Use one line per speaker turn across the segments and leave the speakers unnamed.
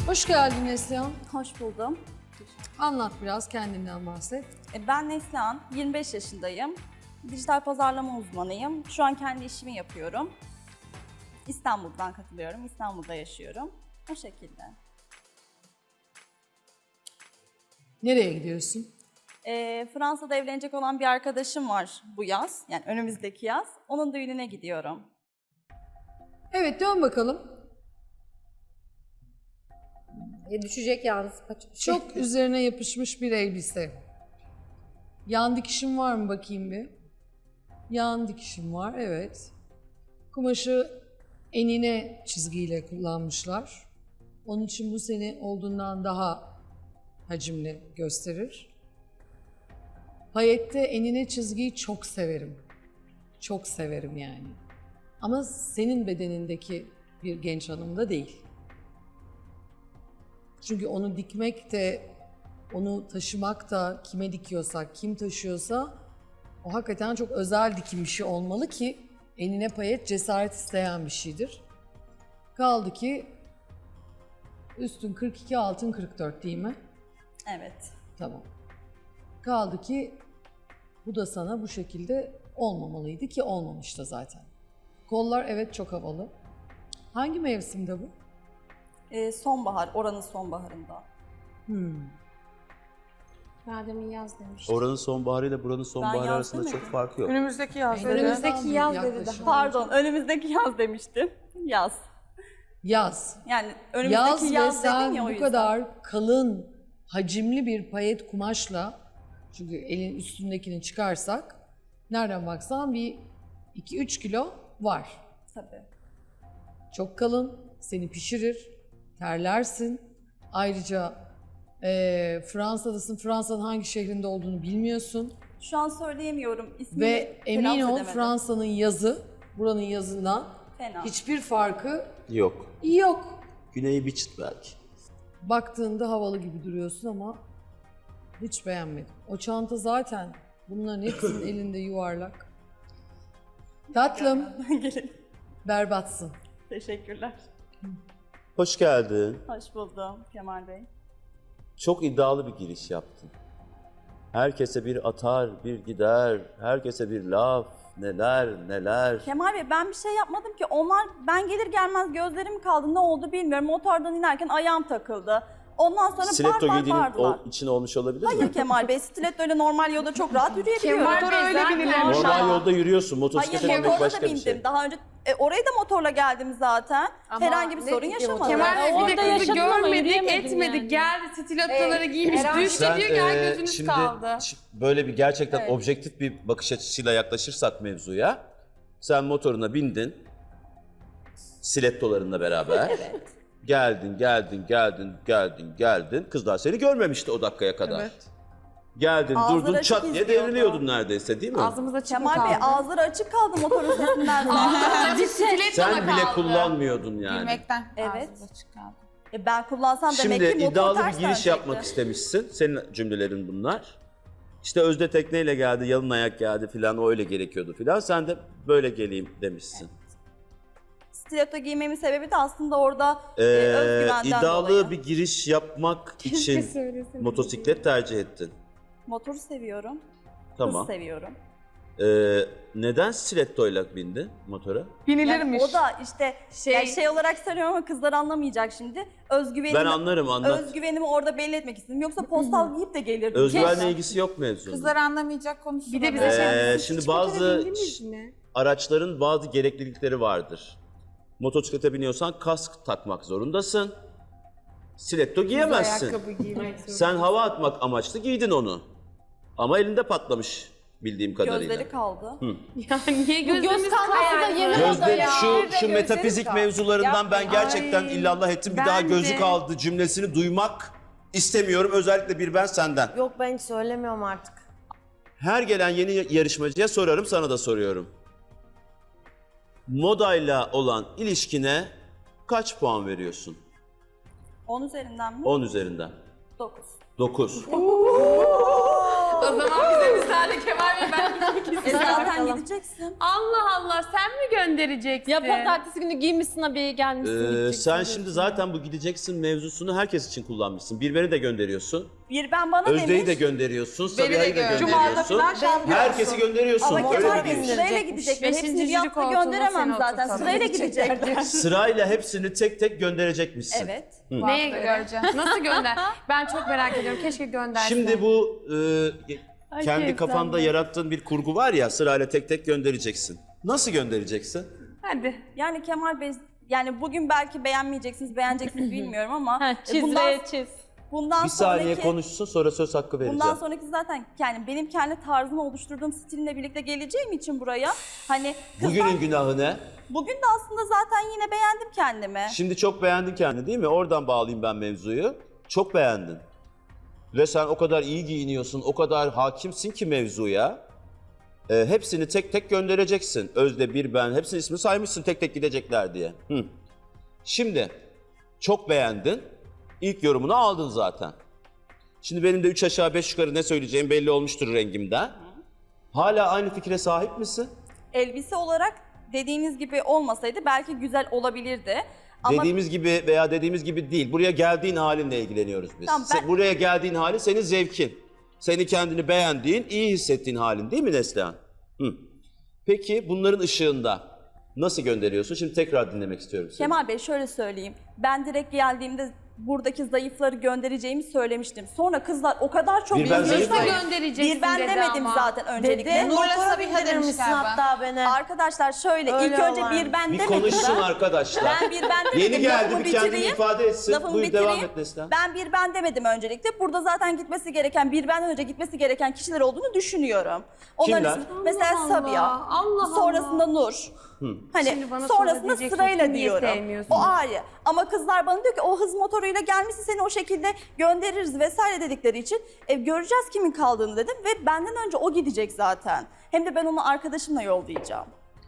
Hoş geldin Neslihan.
Hoş buldum.
Anlat biraz, kendinden bahset.
Ben Neslihan, 25 yaşındayım. Dijital pazarlama uzmanıyım. Şu an kendi işimi yapıyorum. İstanbul'dan katılıyorum, İstanbul'da yaşıyorum. O şekilde.
Nereye gidiyorsun?
Fransa'da evlenecek olan bir arkadaşım var bu yaz. Yani önümüzdeki yaz. Onun düğününe gidiyorum.
Evet, dön bakalım.
Düşecek yalnız.
Çok üzerine yapışmış bir elbise. Yan dikişin var mı bakayım bir? Yan dikişim var, evet. Kumaşı enine çizgiyle kullanmışlar. Onun için bu seni olduğundan daha hacimli gösterir. Payette enine çizgiyi çok severim. Çok severim yani. Ama senin bedenindeki bir genç hanımda değil. Çünkü onu dikmek de, onu taşımak da kime dikiyorsak, kim taşıyorsa o hakikaten çok özel dikim bir şey olmalı ki enine payet cesaret isteyen bir şeydir. Kaldı ki üstün 42, altın 44 değil mi?
Evet.
Tamam. Kaldı ki bu da sana bu şekilde olmamalıydı ki olmamış da zaten. Kollar evet çok havalı. Hangi mevsimde bu?
Sonbahar, oranın sonbaharında.
Daha demin yaz demiştim.
Oranın sonbaharıyla buranın sonbaharı
yaz
arasında çok
demedim.
fark yok.
Önümüzdeki yaz.
Önümüzdeki yaz dedi
Yaklaşık.
daha.
Pardon, önümüzdeki yaz demiştim. Yaz.
Yaz.
Yani önümüzdeki
Yaz ve
yaz dedim
sen
ya o
bu
yüzden.
kadar kalın, hacimli bir payet kumaşla, çünkü elin üstündekini çıkarsak, nereden baksan bir 2-3 kilo var.
Tabii.
Çok kalın, seni pişirir, terlersin. Ayrıca Fransa'dasın, Fransa'nın hangi şehrinde olduğunu bilmiyorsun.
Şu an söyleyemiyorum. İsmini
Ve emin
telaffuz
ol
edemedim.
Fransa'nın yazı, buranın yazından
Fena.
hiçbir farkı
Yok.
yok.
Güneyi bir çıt belki.
Baktığında havalı gibi duruyorsun ama hiç beğenmedim. O çanta zaten bunların hepsinin elinde yuvarlak. Tatlım,
Gelin.
berbatsın.
Teşekkürler.
Hoş geldin.
Hoş buldum Kemal Bey.
Çok iddialı bir giriş yaptın. Herkese bir atar, bir gider, herkese bir laf, neler neler.
Kemal Bey ben bir şey yapmadım ki. Onlar ben gelir gelmez gözlerim kaldı. Ne oldu bilmiyorum. Motordan inerken ayağım takıldı. Ondan sonra
Stiletto
bar
giydiğinin
bağırdılar.
için olmuş olabilir mi?
Hayır Kemal Bey, stiletto öyle normal yolda çok rahat yürüyebiliyorum.
Motor öyle binilirmiş
Normal
ama.
yolda yürüyorsun, motosiklete
Hayır
binmek
motorla da
başka bir
bindim.
şey.
Daha önce oraya da motorla geldim zaten. Herhangi bir sorun yaşamadım.
Kemal Bey bir
Orada
de kızı
yaşadın ama
görmedik,
yürüyemedin
etmedik.
yani.
Geldi stilettoları giymiş,
herhangi-
düştü diyor ki ay gözünüz
şimdi
kaldı.
böyle bir gerçekten objektif bir bakış açısıyla yaklaşırsak mevzuya, sen motoruna bindin, stilettolarınla beraber.
Evet.
Geldin. Kızlar seni görmemişti o dakikaya kadar.
Evet.
Geldin,
Ağızları
durdun,
açık
çat diye
izliyordu.
devriliyordun neredeyse değil mi?
Ağzımız açık mı
Kemal Bey
kaldı?
ağızları açık kaldı motorun sesinden.
Açık stiletto
Sen bile
kaldı.
kullanmıyordun yani.
Bilmekten
Evet.
ağzımız açık kaldı.
Ben kullansam demek
Şimdi
ki motor
iddialı bir
ters
giriş
dönecekti.
yapmak istemişsin. Senin cümlelerin bunlar. İşte Özde tekneyle geldi, yalın ayak geldi filan, o öyle gerekiyordu filan. Sen de böyle geleyim demişsin.
Stiletto giymemin sebebi de aslında orada özgüvenden
iddialı
dolayı.
bir giriş yapmak için motosiklet tercih ettin.
Motoru seviyorum.
Tamam.
Hız seviyorum.
Neden stilettoyla bindin motora?
Binilirmiş.
O da işte şey olarak söylüyorum ama kızlar anlamayacak şimdi.
Ben anlarım, anlat.
Özgüvenimi orada belli etmek istedim. Yoksa postal giyip de gelirdim.
Özgüvenle ilgisi yok mevzunun.
Kızlar anlamayacak konuşuyor.
Bir de bize şey
Şimdi bazı araçların bazı gereklilikleri vardır. Motosiklete biniyorsan kask takmak zorundasın. Stiletto giyemezsin.
Ayakkabı giymek zorunda.
Sen hava atmak amaçlı giydin onu. Ama elinde patlamış bildiğim kadarıyla.
Gözleri kaldı.
Yani niye gözümüz
kalması da yeni
Gözde
ya.
şu metafizik mevzularından ben gerçekten illallah ettim. Bir daha
bence-
gözü kaldı cümlesini duymak istemiyorum. Özellikle bir ben senden.
Yok ben hiç söylemiyorum artık.
Her gelen yeni yarışmacıya sorarım, sana da soruyorum. Modayla olan ilişkine kaç puan veriyorsun?
10 üzerinden mi?
10 üzerinden.
9.
9.
O zaman bize müsaade Kemal Bey, ben gitmek istiyorum.
Zaten gideceksin.
Allah Allah, sen mi göndereceksin?
Ya pazartesi günü giymişsin abiye gelmişsin gideceksin.
Sen şimdi zaten bu gideceksin mevzusunu herkes için kullanmışsın. Birben'i de gönderiyorsun.
Bir ben bana
Özde'yi
demiş.
de gönderiyorsun.
Beni de
Sabiha'yı da
gör.
gönderiyorsun. Herkesi gönderiyorsun.
Ama
Öyle
Kemal
bir
Bey
giriş.
sırayla gidecekler.
Beşinci
Hepsini bir
jüri
hafta
koltuğuna
gönderemem
seni
zaten.
oturtalım.
Sırayla gidecekler.
Sırayla hepsini tek tek gönderecekmişsin.
Evet.
Neye göreceğim? Nasıl gönder? Ben çok merak ediyorum. Keşke göndersen.
Şimdi bu kendi
Ay,
kafanda
efsane.
yarattığın bir kurgu var ya, sırayla tek tek göndereceksin. Nasıl göndereceksin?
Hadi.
Yani Kemal Bey, yani bugün belki beğenmeyeceksiniz, beğeneceksiniz bilmiyorum ama
Çiz çiz.
bundan
Bir saniye
sonraki
konuşsun, sonra söz hakkı vereceğim.
bundan sonraki zaten yani benim kendi tarzımı oluşturduğum stilimle birlikte geleceğim için buraya hani
Bugünün günahı ne?
bugün de aslında zaten yine beğendim kendimi.
Şimdi çok beğendin kendini değil mi? Oradan bağlayayım ben mevzuyu. Çok beğendin. Ve sen o kadar iyi giyiniyorsun, o kadar hakimsin ki mevzuya. Hepsini tek tek göndereceksin. Özde, bir ben, hepsinin ismini saymışsın tek tek gidecekler diye. Şimdi çok beğendin. İlk yorumunu aldın zaten. Şimdi benim de 3 aşağı 5 yukarı ne söyleyeceğim belli olmuştur rengimden. Hala aynı fikre sahip misin?
Elbise olarak dediğiniz gibi olmasaydı belki güzel olabilirdi. Ama
Dediğimiz gibi veya dediğimiz gibi değil. Buraya geldiğin halinle ilgileniyoruz biz.
Tamam,
Buraya geldiğin hali senin zevkin. Seni kendini beğendiğin, iyi hissettiğin halin değil mi Neslihan? Peki bunların ışığında nasıl gönderiyorsun? Şimdi tekrar dinlemek istiyorum seni.
Kemal Bey şöyle söyleyeyim. Ben direkt geldiğimde buradaki zayıfları göndereceğimi söylemiştim. Sonra kızlar o kadar çok
Bir ben zayıf
Nasıl
mıyım?
göndereceksin
Bir ben
dedi
demedim
ama.
zaten öncelikle.
Motora bindirir misin hatta beni?
Arkadaşlar şöyle
Öyle
ilk önce
olan.
bir ben
Bir
demedim.
konuşsun arkadaşlar.
Ben bir ben demedim.
Yeni geldi,
lafımı
bir kendini
bitireyim.
ifade etsin.
Lafımı
Buyur,
bitireyim.
devam et Neslihan.
Ben bir ben demedim öncelikle. Burada zaten gitmesi gereken, bir benden önce gitmesi gereken kişiler olduğunu düşünüyorum.
Kimler?
Mesela
Allah
Sabiha,
Allah.
sonrasında Nur. Hani
Şimdi bana
sonrasında
sonra diyeceksin
sırayla
ki niye
diyorum.
sevmiyorsun?
O ayrı. Ama kızlar bana diyor ki o hız motoruyla gelmişsin, seni o şekilde göndeririz vesaire dedikleri için göreceğiz kimin kaldığını dedim ve benden önce o gidecek zaten. Hem de ben onu arkadaşımla yollayacağım.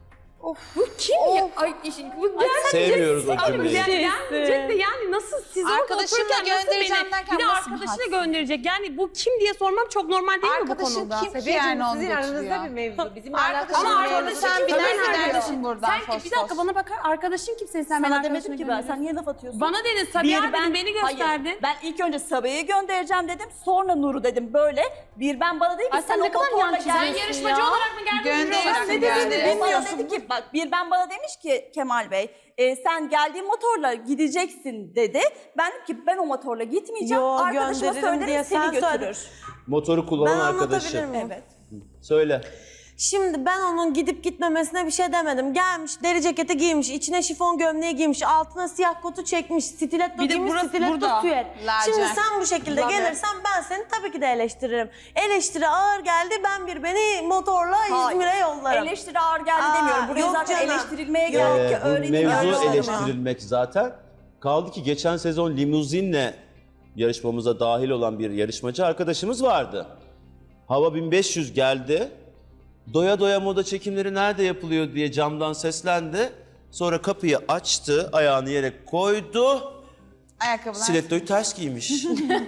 Bu kim ya? Ay, bu
Sevmiyoruz o cümleyi.
gelmeyecek de yani nasıl siz orada
Arkadaşımla
otururken nasıl
göndereceğim
beni
derken
bir de
nasıl bir
arkadaşıyla
hadse?
gönderecek. Yani bu kim diye sormam çok normal değil mi bu
Arkadaşın
konuda?
kim ki yani onu
Sizin aranızda
götürüyor?
bir mevzu. Bizim
Arkadaşın
Ama
mevzu,
arkadaşın
sen
kim?
biner
Sen
gidersin buradan
Sen
fos
bir dakika
fos.
bana bakar. Arkadaşın kim senin? Sen
Sana
bana
demedim ki ben, sen niye laf atıyorsun?
Bana dedin Sabiha
Bir
dedin beni gösterdin.
Hayır, ben ilk önce Sabiha'yı göndereceğim dedim, sonra Nur'u dedim böyle. Bir ben bana dedi ki
Ay, sen
sen
ne
o
kadar
motorla
yan çiziyorsun
gel.
Sen yarışmacı olarak mı geldin?
Gönder-
jüri olarak mı
Ne
geldin?
dediğini
O bana dedi ki bak bir ben bana demiş ki Kemal Bey sen geldiğin motorla gideceksin dedi. Ben dedim ki ben o motorla gitmeyeceğim.
Yo,
Arkadaşıma
gönderirim diye
söylerim seni
sen
götürür.
Motoru kullanan
Ben
arkadaşı.
anlatabilir miyim?
Evet.
Söyle.
Şimdi ben onun gidip gitmemesine bir şey demedim. Gelmiş, deri ceketi giymiş, içine şifon gömleği giymiş, altına siyah kotu çekmiş, stiletto
Bir de
giymiş,
burası
stiletto
burada.
süet.
Lacivert.
Şimdi sen bu şekilde gelirsen ben seni tabii ki de eleştiririm. Eleştiri ağır geldi, ben beni motorla
Hayır.
İzmir'e yollarım.
Eleştiri ağır geldi
Aa,
demiyorum. Buraya
yok
zaten
canım.
eleştirilmeye gerek ki
Bu
öğreniyorum.
mevzu
öyle
eleştirilmek zaten. Kaldı ki geçen sezon limuzinle yarışmamıza dahil olan bir yarışmacı arkadaşımız vardı. Hava 1500 geldi. Doya doya moda çekimleri nerede yapılıyor diye camdan seslendi. Sonra kapıyı açtı, ayağını yere koydu.
Ayakkabılar.
Stilettoyu ters giymiş.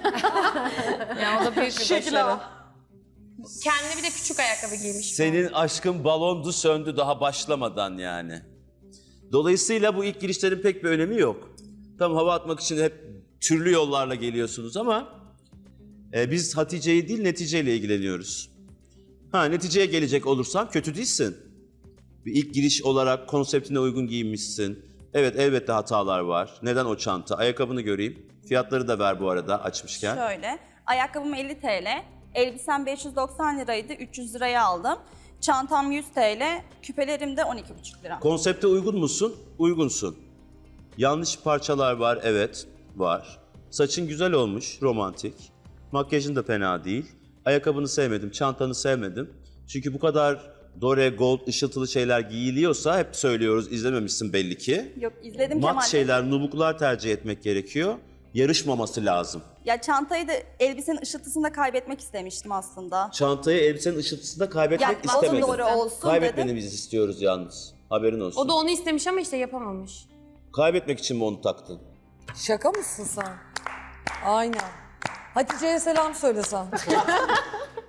Ya o da büyük bir başarı. Kendine bir de küçük ayakkabı giymiş.
Senin aşkın balondu söndü daha başlamadan yani. Dolayısıyla bu ilk girişlerin pek bir önemi yok. Tam hava atmak için hep türlü yollarla geliyorsunuz ama biz Hatice'yi değil neticeyle ilgileniyoruz. Neticeye gelecek olursam kötü değilsin. Bir ilk giriş olarak konseptine uygun giyinmişsin. Evet elbette hatalar var. Neden o çanta? Ayakkabını göreyim. Fiyatları da ver bu arada açmışken.
Şöyle, ayakkabım 50 TL, elbisem 590 liraydı, 300 liraya aldım. Çantam 100 TL, küpelerim de 12,5 lira.
Konsepte uygun musun? Uygunsun. Yanlış parçalar var, evet var. Saçın güzel olmuş, romantik. Makyajın da fena değil. Ayakkabını sevmedim, çantanı sevmedim. Çünkü bu kadar dore, gold, ışıltılı şeyler giyiliyorsa hep söylüyoruz, izlememişsin belli ki.
Yok izledim Kemal
Mat
Bey.
şeyler, nubuklar tercih etmek gerekiyor. Yarışmaması lazım.
Ya çantayı da elbisenin ışıltısını da kaybetmek istemiştim aslında.
Çantayı elbisenin ışıltısında kaybetmek
Yapmak
istemedim.
doğru olsun
Kaybetmeni
dedim.
biz istiyoruz yalnız. Haberin olsun.
O da onu istemiş ama işte yapamamış.
Kaybetmek için mi onu taktın?
Şaka mısın sen? Aynen. Hatice'ye selam söylesen.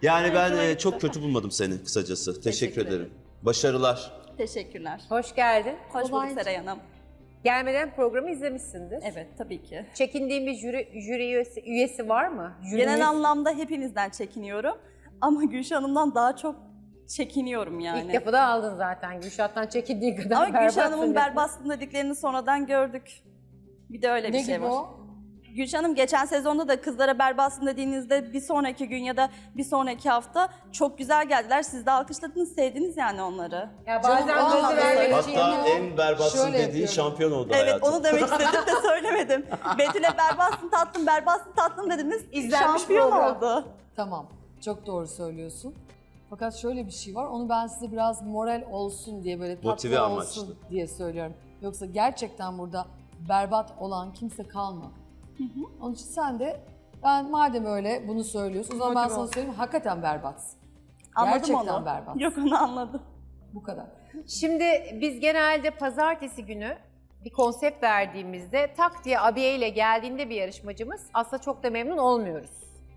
Yani ben çok kötü bulmadım seni kısacası. Teşekkür ederim.
ederim.
Başarılar.
Teşekkürler.
Hoş geldin.
Hoş bulduk Seray Hanım.
Gelmeden programı izlemişsindir.
Evet, tabii ki.
Çekindiğin bir jüri üyesi var mı?
Genel anlamda hepinizden çekiniyorum. Ama Gülşah Hanım'dan daha çok çekiniyorum yani.
İlk defa da aldın zaten. Gülşah'tan çekindiği kadar
Ama Gülşah
berbatsın
Hanım'ın
dedin.
berbatsın dediklerini sonradan gördük. Bir de öyle bir
Ne
şey
gibi
var.
o?
Gülşah Hanım geçen sezonda da kızlara berbatsın dediğinizde bir sonraki gün ya da bir sonraki hafta çok güzel geldiler. Siz de alkışladınız, sevdiniz yani onları.
Ya bazen
Canım,
gözü
vallahi
vermek
söyle.
için
Hatta en berbatsın
Şöyle
dediği
yapıyorum.
şampiyon oldu
Evet,
hayatım.
onu demek istedim de söylemedim. Betül'e berbatsın tatlım dediniz.
İzlenmiş
şampiyon
program.
oldu.
Tamam, çok doğru söylüyorsun. Fakat şöyle bir şey var, onu ben size biraz moral olsun diye böyle tatlı
Motive
olsun
amaçlı.
diye söylüyorum. Yoksa gerçekten burada berbat olan kimse kalmadı. Onun için sen de, ben madem öyle bunu söylüyorsun, o zaman ben
Motive
sana
ol.
söyleyeyim, hakikaten berbatsın.
Anladım
Gerçekten
onu.
berbat.
Yok, onu anladım.
Bu kadar.
Şimdi biz genelde pazartesi günü bir konsept verdiğimizde tak diye abiye ile geldiğinde bir yarışmacımız aslında çok da memnun olmuyoruz.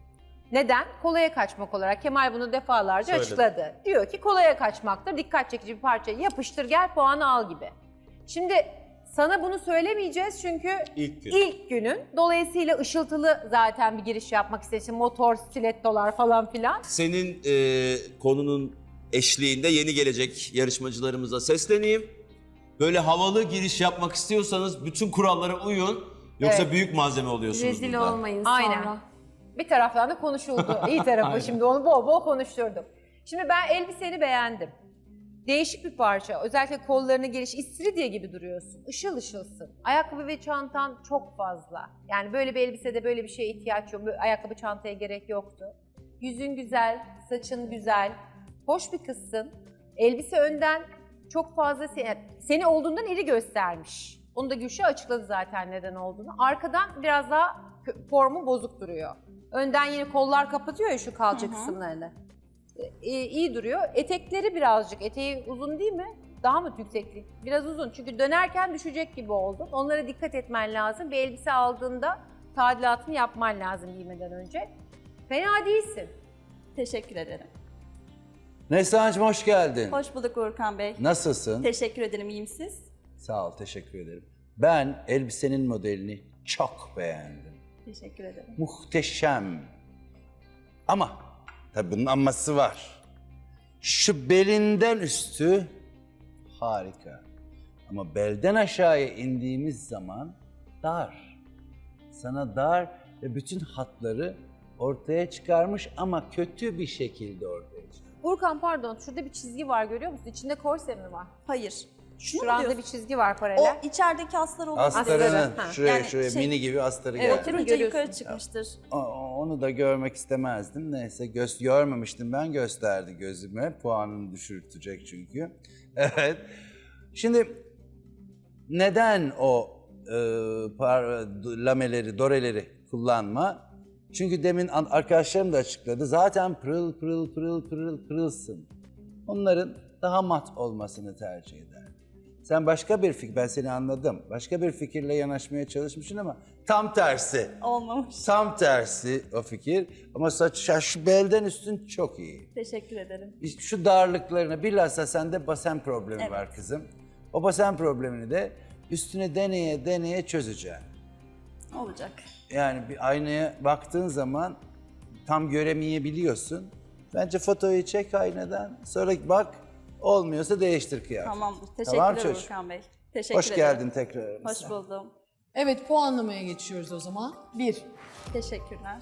Neden? Kolaya kaçmak olarak. Kemal bunu defalarca
Söyledi.
açıkladı. Diyor ki kolaya kaçmaktır, dikkat çekici bir parçayı yapıştır gel puanı al gibi. Şimdi sana bunu söylemeyeceğiz çünkü
İlk gün.
ilk günün. Dolayısıyla ışıltılı zaten bir giriş yapmak istedim. Motor, stilettolar falan filan.
Senin konunun eşliğinde yeni gelecek yarışmacılarımıza sesleneyim. Böyle havalı giriş yapmak istiyorsanız bütün kurallara uyun. Yoksa
Evet.
büyük malzeme oluyorsunuz
Rezil
burada.
olmayın
Aynen.
sonra.
Bir taraftan da konuşuldu. İyi tarafı şimdi onu bol bol konuşturdum. Şimdi ben elbiseni beğendim. Değişik bir parça. Özellikle kollarını geniş, istiridye gibi duruyorsun. Işıl ışılsın. Ayakkabı ve çantan çok fazla. Yani böyle bir elbisede böyle bir şeye ihtiyaç yok. Böyle ayakkabı çantaya gerek yoktu. Yüzün güzel, saçın güzel. Hoş bir kızsın. Elbise önden çok fazla seni olduğundan iri göstermiş. Onu da Gülşah açıkladı zaten neden olduğunu. Arkadan biraz daha formu bozuk duruyor. Önden yine kollar kapatıyor ya şu kalça kısımlarını. İyi duruyor. Etekleri birazcık, eteği uzun değil mi? Daha mı yükseklik? Biraz uzun çünkü dönerken düşecek gibi oldun. Onlara dikkat etmen lazım. Bir elbise aldığında tadilatını yapman lazım giymeden önce. Fena değilsin.
Teşekkür ederim.
Neslihan'cığım hoş geldin.
Hoş bulduk Uğurkan Bey.
Nasılsın?
Teşekkür ederim, iyiyim siz?
Sağ ol, teşekkür ederim. Ben elbisenin modelini çok beğendim.
Teşekkür ederim.
Muhteşem. Ama tabii bunun aması var. Şu belinden üstü harika. Ama belden aşağıya indiğimiz zaman dar. Sana dar ve bütün hatları ortaya çıkarmış ama kötü bir şekilde ortaya çıkarmış.
Urkan pardon, şurada bir çizgi var görüyor musun? İçinde korse mi var?
Hayır. Şunu mu
Şuranda
diyorsun?
bir çizgi var
O
paralel.
içerideki aslar olur.
Astarının
Ha.
şuraya
Yani
şuraya
şey-
mini gibi astarı
Evet,
geldi.
değil mi?
Oturunca
Görüyorsun.
yukarı çıkmıştır.
Onu da görmek istemezdim. Neyse görmemiştim ben, gösterdi gözüme. Puanını düşürtecek çünkü. Evet. Şimdi neden o lameleri, doreleri kullanma? Çünkü demin arkadaşlarım da açıkladı. Zaten pırıl pırıl pırıl pırıl pırılsın. Onların daha mat olmasını tercih eder. Sen başka bir fikir, ben seni anladım. Başka bir fikirle yanaşmaya çalışmışsın ama tam tersi.
Olmamış.
Tam tersi o fikir ama şu belden üstün çok iyi.
Teşekkür ederim.
İşte şu darlıklarına, bilhassa sende basen problemi
Evet.
var kızım. O basen problemini de üstüne deneye deneye çözeceksin.
Olacak.
Yani bir aynaya baktığın zaman tam göremeyebiliyorsun. Bence fotoğrafı çek aynadan, sonra bak, olmuyorsa değiştir kıyafet.
Tamamdır.
Tamam
Teşekkürler
çocuğum.
Uğurkan Bey. Teşekkür
Hoş
ederim.
geldin tekrar aramıza.
Hoş buldum.
Evet, puanlamaya geçiyoruz o zaman. 1.
Teşekkürler.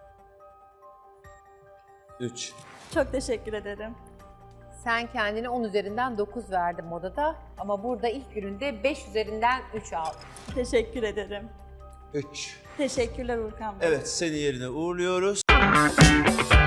3.
Çok teşekkür ederim.
Sen kendine 10 üzerinden 9 verdin modada ama burada ilk gününde 5 üzerinden 3 aldın.
Teşekkür ederim.
3.
Teşekkürler Uğurkan Bey.
Evet, seni yerine uğurluyoruz.